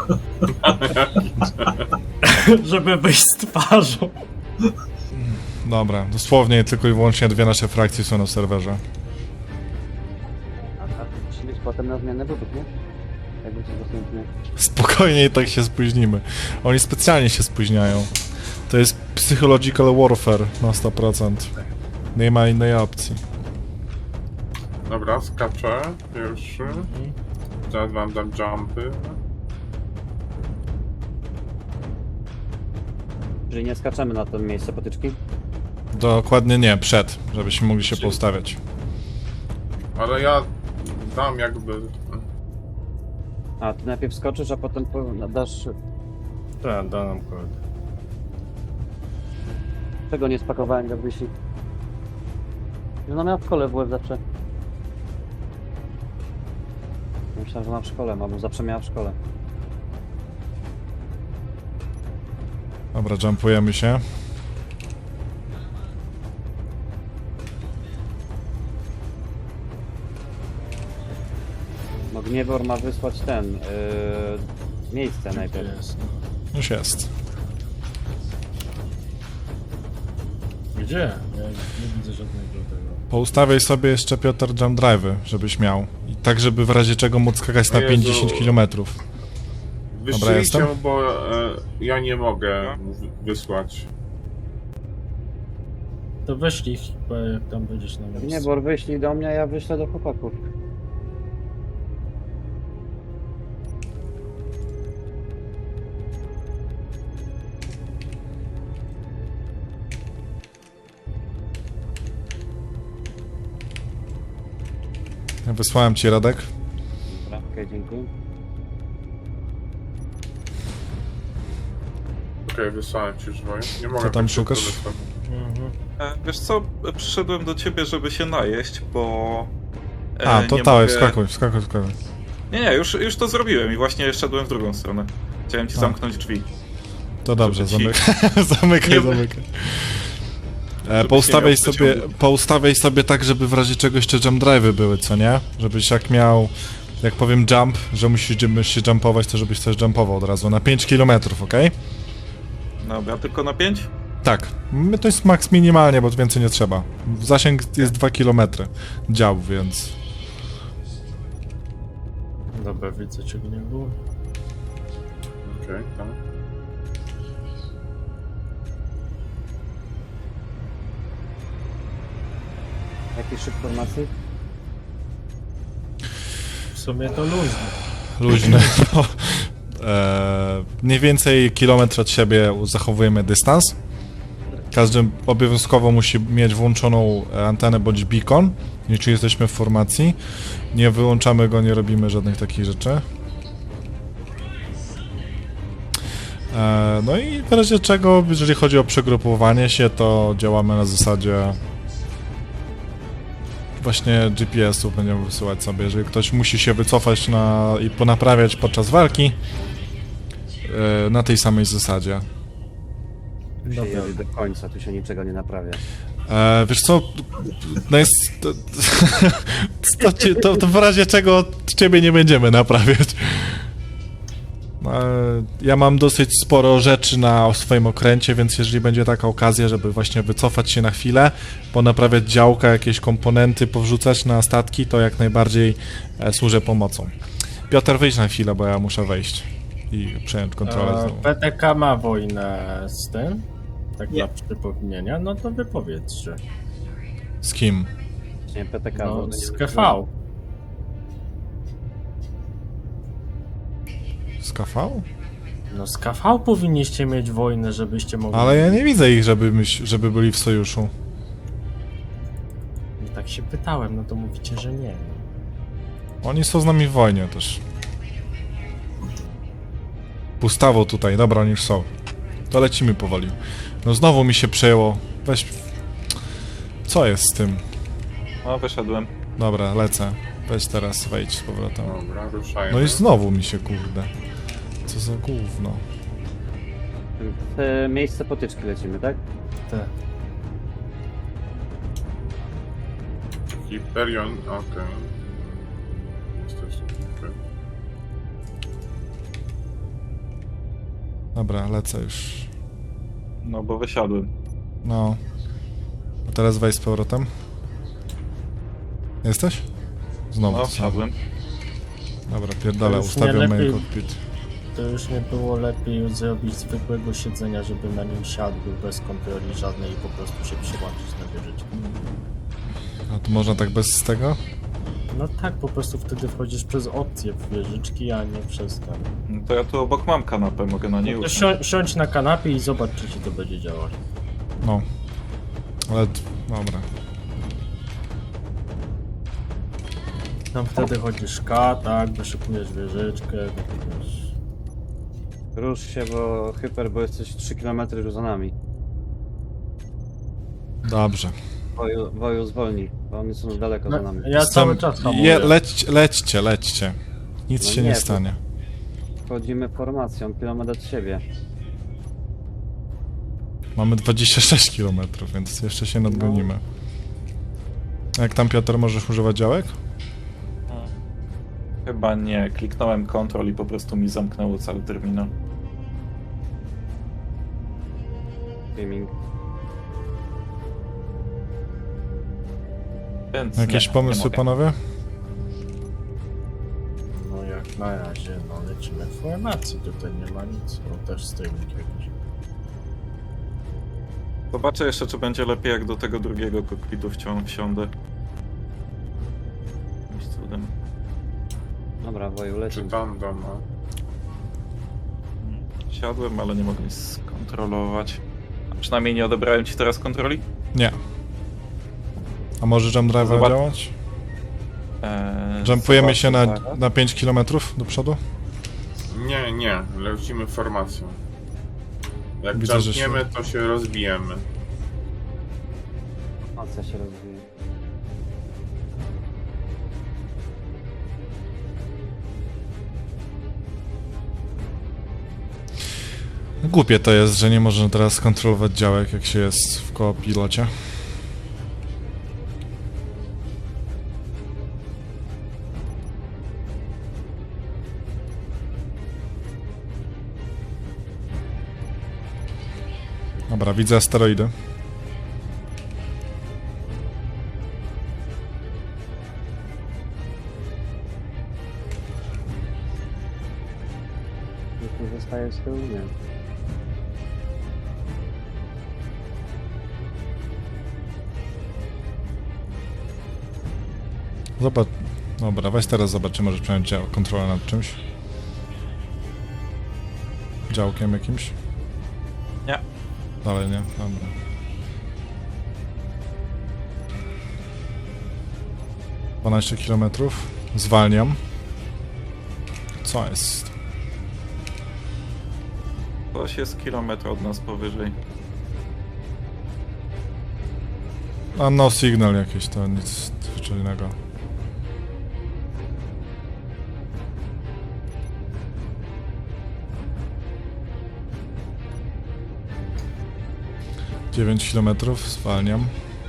Żeby wyjść z twarzą. Dobra, dosłownie tylko i wyłącznie 2 nasze frakcje są na serwerze. A musi być potem na zmianę budów, nie? Jakby coś dostępne. Spokojnie i tak się spóźnimy. Oni specjalnie się spóźniają. To jest psychological warfare na 100%. Nie ma innej opcji. Dobra, skaczę pierwszy. Zaraz wam dam jumpy. Czyli nie skaczemy na to miejsce potyczki? Dokładnie nie, przed, żebyśmy mogli się poustawiać. Ale ja dam jakby... A, ty najpierw skoczysz, a potem dasz... Tak, da nam kogoś. Czego nie spakowałem, jak wyśli? No miała w szkole WF zawsze. Myślałem, że ma w szkole, bo zawsze miała w szkole. Dobra, jumpujemy się. No Gniewor ma wysłać miejsce najpierw. Jest. Już jest. Gdzie? Ja nie widzę żadnego tego. Poustawiaj sobie jeszcze, Piotr, jump drive'y, żebyś miał. I tak, żeby w razie czego móc skakać na O Jezu. 50 km. Wyślijcie, jestem? bo ja nie mogę wysłać. To weź ich, bo jak tam będziesz na miejscu. Gniewor, wyślij do mnie, a ja wyślę do chłopaków. Ja wysłałem ci, Radek. Dobra, okej, dziękuję. Okej, wysłałem ci żwoję. Nie mogę Co tam tak szybko szukasz? wysłać. Mhm. Wiesz co, przyszedłem do ciebie, żeby się najeść, bo... A, to nie dawaj, mogę- wskakuj. Nie, już to zrobiłem i właśnie szedłem w drugą stronę. Chciałem ci A. zamknąć drzwi. To dobrze, Żeby ci- zamykaj. Nie- Zamykaj. Żeby Poustawiaj się nie sobie, odciągnął. poustawiaj sobie tak, żeby w razie czegoś te jump drive'y były, co nie? Żebyś jak miał, jak powiem jump, że musisz się jumpować, to żebyś też jumpował od razu na 5 km, okej? Dobra, tylko na 5? Tak, to jest max minimalnie, bo więcej nie trzeba. Zasięg jest 2 km działu, więc... Dobra, widzę czego nie było. Okej, tak. Jakiś szyb formacji? W sumie to luźno. Luźne. No. Mniej więcej kilometr od siebie zachowujemy dystans. Każdy obowiązkowo musi mieć włączoną antenę bądź beacon, jeśli jesteśmy w formacji. Nie wyłączamy go, nie robimy żadnych takich rzeczy. No i w razie czego, jeżeli chodzi o przegrupowanie się, to działamy na zasadzie właśnie GPS-ów będziemy wysyłać sobie. Jeżeli ktoś musi się wycofać i ponaprawiać podczas walki, na tej samej zasadzie. Tu się Dobra. jedzie do końca, tu się niczego nie naprawia. Wiesz co, no jest... To w razie czego ciebie nie będziemy naprawiać. Ja mam dosyć sporo rzeczy na swoim okręcie, więc jeżeli będzie taka okazja, żeby właśnie wycofać się na chwilę, ponaprawiać działka, jakieś komponenty, powrzucać na statki, to jak najbardziej służę pomocą. Piotr, wyjdź na chwilę, bo ja muszę wejść i przejąć kontrolę znowu. PTK ma wojnę z tym? Tak dla przypomnienia, no to wypowiedzcie. Z kim? Nie, PTK. No, bo z nie- KV. Z KV? No z KV powinniście mieć wojnę, żebyście mogli... Ale ja nie widzę ich, żeby byli w sojuszu. Tak się pytałem, no to mówicie, że nie. Oni są z nami w wojnie też. Pustawo tutaj, dobra, oni już są. To lecimy powoli. No znowu mi się przejęło. Weź... Co jest z tym? No, wyszedłem. Dobra, lecę. Weź teraz, wejdź z powrotem. Dobra, ruszajmy. No i znowu mi się, kurde. Co za gówno. W miejsce potyczki lecimy, tak? Te. Hyperion, okej. Jesteś okej. Dobra, lecę już. No bo wysiadłem. No. A teraz wejdź z powrotem. Jesteś? Znowu No, to samo. wsiadłem. Dobra, pierdolę, To już ustawiam nie main lepiej. cockpit. To już nie było lepiej zrobić zwykłego siedzenia, żeby na nim siadł bez kontroli żadnej i po prostu się przyłączyć na wieżyczkę. A to można tak bez tego? No tak, po prostu wtedy wchodzisz przez opcję w wieżyczki, a nie przez ten. No to ja tu obok mam kanapę, mogę na niej No to usiąść. siądź na kanapie i zobacz, czy ci to będzie działać. No. Ale... dobra. Tam wtedy chodzisz K, tak, wyszukujesz wieżyczkę, wiesz. Rusz się, bo hyper, bo jesteś 3 km już za nami. Dobrze. Woju zwolni, bo oni są daleko za nami. Ja cały czas hamuję. Lećcie. Nic No się nie, nie to- stanie. Wchodzimy formacją, kilometr od siebie. Mamy 26 km, więc jeszcze się nadgonimy. A jak tam, Piotr, możesz używać działek? Chyba nie, kliknąłem Ctrl i po prostu mi zamknęło cały terminal. Gaming. Więc Jakieś nie pomysły, mogę. panowie? No jak na razie, no lecimy w formacji, tutaj nie ma nic, bo też stoimy jakiegoś. Zobaczę jeszcze, czy będzie lepiej, jak do tego drugiego kokpitu wsiądę. Jakimś cudem. Dobra, Woju, Czy lecimy. tam doma? Siadłem, ale nie mogę nic skontrolować. A przynajmniej nie odebrałem ci teraz kontroli? Nie. A może jump drive Zobacz- działać? Jumpujemy się zobaczę zaraz. na 5 km do przodu? Nie, lecimy formacją. Jak Widzę, że jumpniemy, to się rozbijemy. Formacja się rozwija. Głupie to jest, że nie można teraz kontrolować działek, jak się jest w kopilocie. Dobra, widzę asteroidy. Nikt nie zostaje z tyłu, nie. Zobacz. Dobra, weź teraz zobaczymy, może przejąć kontrolę nad czymś. Działkiem jakimś? Nie. Dalej nie? Dobra. — 12 km. Zwalniam. Co jest? Coś jest kilometr od nas powyżej. A no signal jakieś, to nic zwyczajnego. — 9 km, zwalniam.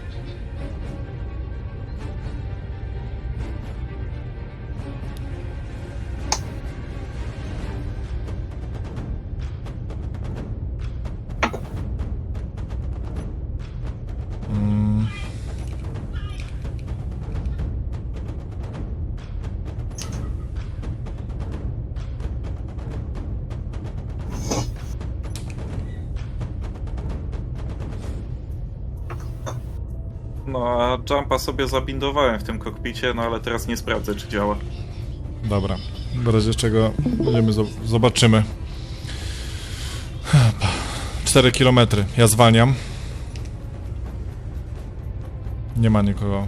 Mm. No a jumpa sobie zabindowałem w tym kokpicie, no ale teraz nie sprawdzę, czy działa. Dobra, w razie czego będziemy zobaczymy. 4 km, ja zwalniam. Nie ma nikogo.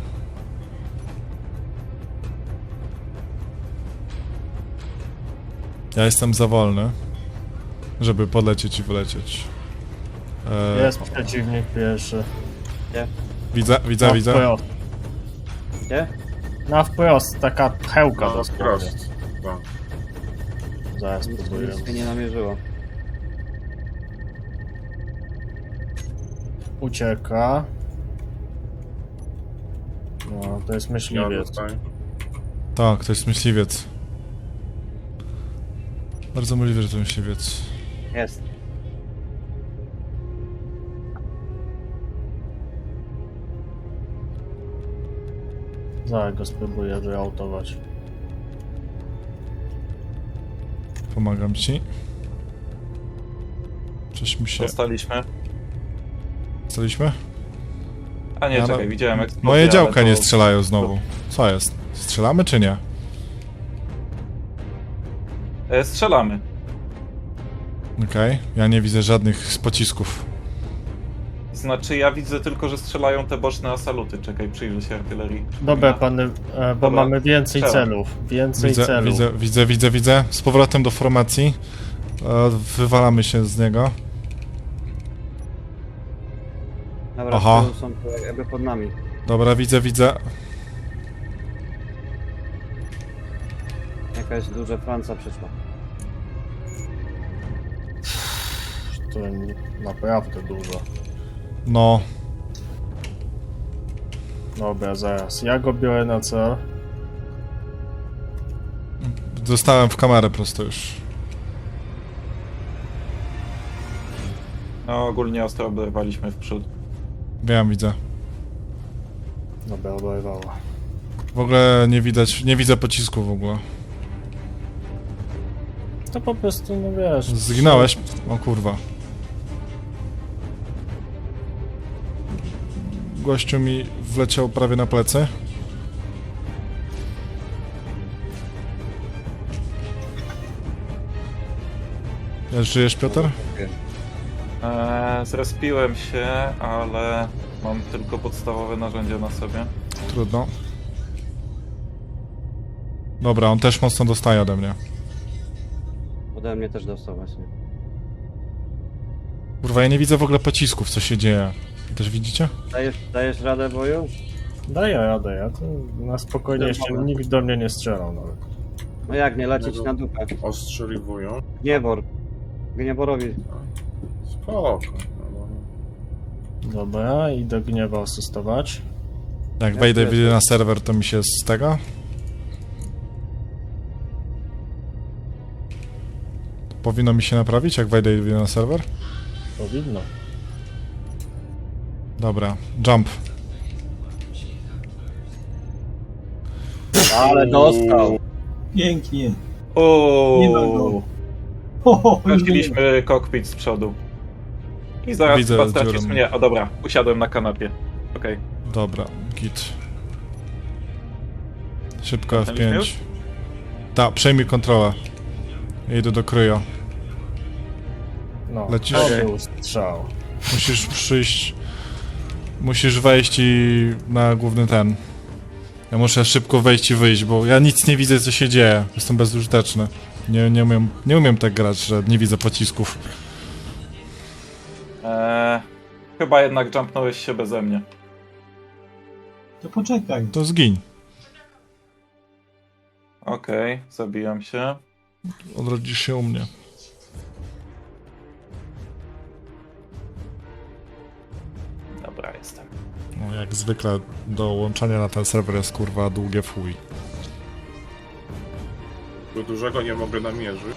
Ja jestem za wolny, żeby podlecieć i wylecieć. Jest przeciwnik pierwszy. Widzę. Na wprost. Gdzie? Na wprost, taka pchełka No, dosłownie. prost. Tak. Zaraz próbuję. Nic mnie nie namierzyło. Ucieka. No, to jest Ja myśliwiec. tutaj. Tak, to jest myśliwiec. Bardzo możliwe, że to myśliwiec. Jest. Zaraz go spróbuję wyautować. Pomagam ci. Coś mi się... Dostaliśmy. Staliśmy? A nie, Ja czekaj, no- widziałem eksplozję, Moje ale działka to- nie strzelają znowu. Co jest? Strzelamy czy nie? Strzelamy. Okej, ja nie widzę żadnych z pocisków. Znaczy ja widzę tylko, że strzelają te boczne asaluty. Czekaj, przyjrzę się artylerii. Dobra, pany, bo Dobra, mamy więcej strzelam. celów. Więcej Widzę, celów. widzę. Z powrotem do formacji. Wywalamy się z niego. Dobra, Aha. tu są tu jakby pod nami. Dobra, widzę. Jakaś duża Franca przyszła. To naprawdę dużo. No, Dobra, zaraz. Ja go biorę na cel. zostałem w kamerę prosto już. No ogólnie ostro oberwaliśmy w przód. Wiem, widzę. Dobra, oberwało. W ogóle nie widzę pocisku w ogóle. To po prostu, no wiesz... Zginąłeś? O kurwa. Gościu mi wleciał prawie na plecy. Żyjesz, Piotr? Zrespiłem się, ale mam tylko podstawowe narzędzia na sobie. Trudno. Dobra, on też mocno dostaje ode mnie. Ode mnie też dostał właśnie. Kurwa, ja nie widzę w ogóle pocisków, co się dzieje. Też widzicie? Dajesz radę boju? Daję radę, ja to na spokojnie jeszcze nikt do mnie nie strzelał nawet. No jak nie lecieć na dupę? Ostrzeliwują. Gniewor. Gnieworowi. Spoko. Dobra, idę gniewa asystować. Jak Ja wejdę też. na serwer, to mi się z tego... Powinno mi się naprawić, jak wejdę na serwer? Powinno. Dobra, jump. Ale dostał. Pięknie. Nie ma go. Ooo, Ho, ho, już go nie ma. straciliśmy kokpit z przodu. I zaraz Widzę chyba z stracisz dziurą. mnie. O dobra, usiadłem na kanapie. Okej. Dobra, git. Szybko Zamknęliśmy F5. już? Tak, przejmij kontrolę. Idę do kryja. No, Lecisz? to Okej. był strzał. Musisz przyjść... Musisz wejść i na główny ten. Ja muszę szybko wejść i wyjść, bo ja nic nie widzę, co się dzieje. Jestem bezużyteczny. Nie umiem tak grać, że nie widzę pocisków. Chyba jednak jumpnąłeś się beze mnie. To poczekaj. To zgiń. Okej, zabijam się. Odrodzisz się u mnie. Dobra, jestem. No, jak zwykle dołączanie na ten serwer jest kurwa długie fuj. Do dużego nie mogę namierzyć.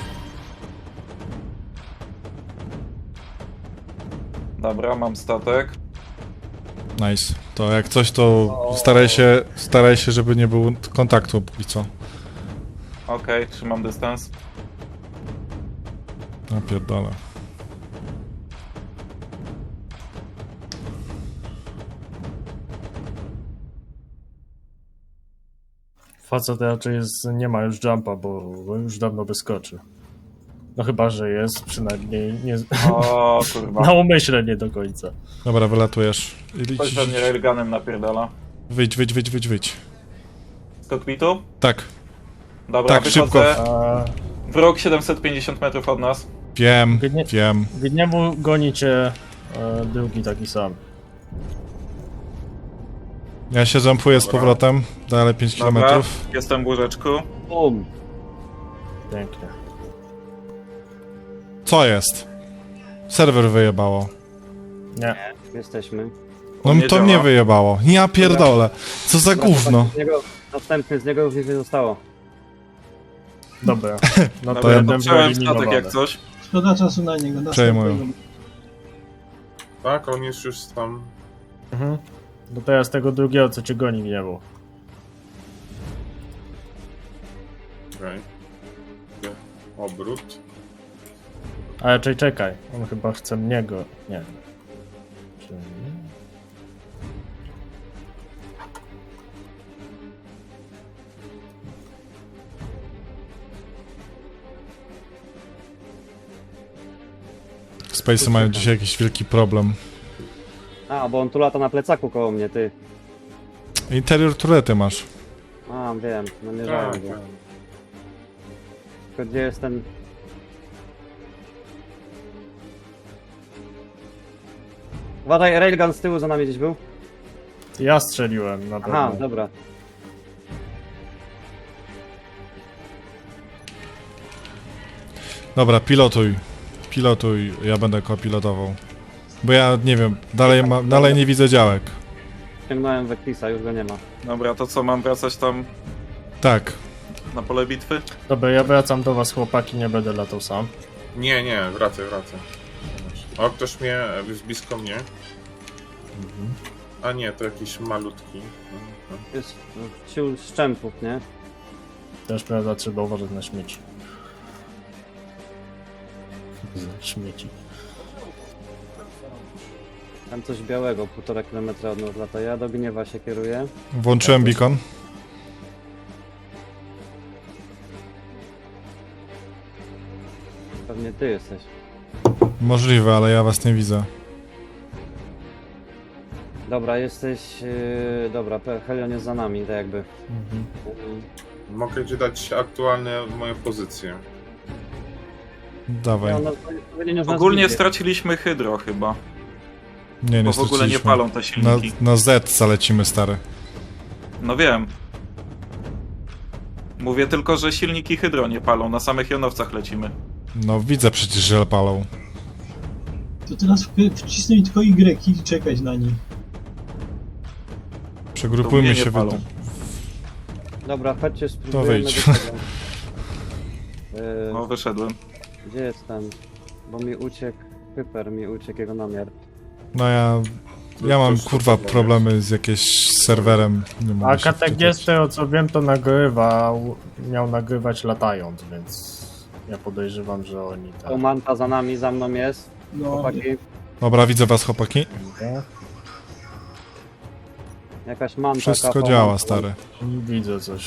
Dobra, mam statek. Nice. To jak coś, to staraj się, żeby nie było kontaktu póki co. Okej, trzymam dystans. Ja pierdolę. Facet raczej nie ma już jumpa, bo już dawno wyskoczy. No chyba, że jest, przynajmniej nie, O kurwa. na umyśle nie do końca. Dobra, wylatujesz. Ktoś we mnie railgunem napierdala. Wyjdź. Z kokpitu? Tak, Dobra, Tak, szybko. wychodzę. A Wróg 750 metrów od nas. wiem. Gniemu goni cię drugi taki sam. Ja się jumpuję z Dobra. powrotem. Dalej 5 km. Dobra, jestem w łóżeczku. Bum. Pięknie. Co jest? Serwer wyjebało. Nie, Jesteśmy. No Nie to działa. mnie wyjebało. Ja pierdolę. Co za gówno. Następny z niego już nic nie zostało. dobra. No to Dobra, jeden dotrzymałem statek wyeliminowany. jak coś. Szkoda czasu na niego. Przejmują. Następnego. Tak, on jest już tam. Mhm. No teraz tego drugiego, co cię goni, gniewu. Okej. Obrót. Ale czekaj, on chyba chce mnie go... Nie. Czyli... Space'y mają dzisiaj jakiś wielki problem. A, bo on tu lata na plecaku koło mnie, ty. Interior turety masz. A, wiem, namierzałem Tak, go. tak. Tylko gdzie jest ten... Uważaj, railgun z tyłu za nami gdzieś był. Ja strzeliłem na pewno. Aha, dobra. Dobra, pilotuj. Pilotuj, ja będę kopilotował. Bo ja nie wiem, dalej nie widzę działek. Ciągnąłem Vectisa, już go nie ma. Dobra, to co, mam wracać tam Tak. na pole bitwy? Dobra, ja wracam do was, chłopaki, nie będę latał sam. Nie, wracaj. O, ktoś mnie, jest blisko mnie. A nie, to jakiś malutki. Jest sił szczępów, nie? Też prawda, trzeba uważać na śmieci. Śmieci. Tam coś białego, 1,5 kilometra od nas lata. Ja do gniewa się kieruję. Włączyłem beacon. Pewnie ty jesteś. Możliwe, ale ja was nie widzę. Dobra, jesteś... dobra, Helion jest za nami, tak jakby. Mogę ci dać aktualne moje pozycje. Dawaj. Ogólnie straciliśmy hydro chyba, Nie bo w ogóle nie straciliśmy. palą te silniki. Na Z zalecimy, stary. No wiem. Mówię tylko, że silniki hydro nie palą, na samych jonowcach lecimy. No widzę przecież, że palą. To teraz wcisnąć tylko Y i czekać na nich. Przegrupujmy To mnie się nie w... palą. Dobra, chodźcie, spróbujemy wyjdź. do tego. No wyszedłem. Gdzie jest ten? Bo mi uciekł... Hyper mi uciekł jego namiar. No ja mam kurwa problemy z jakimś serwerem. Nie mogę A się Katek wczytać. z tego co wiem, to nagrywał, miał nagrywać latając, więc ja podejrzewam, że oni tak. O, manta za nami, za mną jest. No, Chłopaki, Dobra, widzę was, chłopaki. jakaś manta. Wszystko kapa, działa, manta. stary. Widzę coś.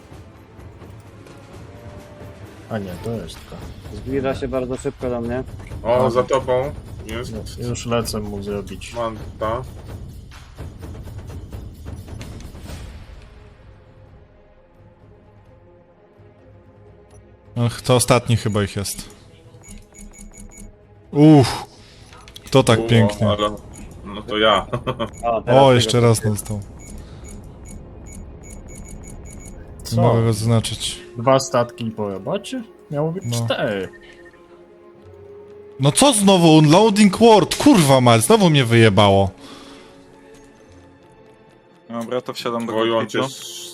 A nie, to jest taka. Zbliża się bardzo szybko do mnie. O, za tobą jest Już lecę mu zrobić. manta. Ach, to ostatni chyba ich jest. To tak pięknie. Ale... No to ja. O, teraz O, tego- jeszcze raz dostał. Co? Mogę go zaznaczyć. 2 statki po robocie? Miało być No. 4. No co znowu? Unloading word! Kurwa mać, znowu mnie wyjebało. Dobra, to wsiadam do Oj, on cię kokpitu.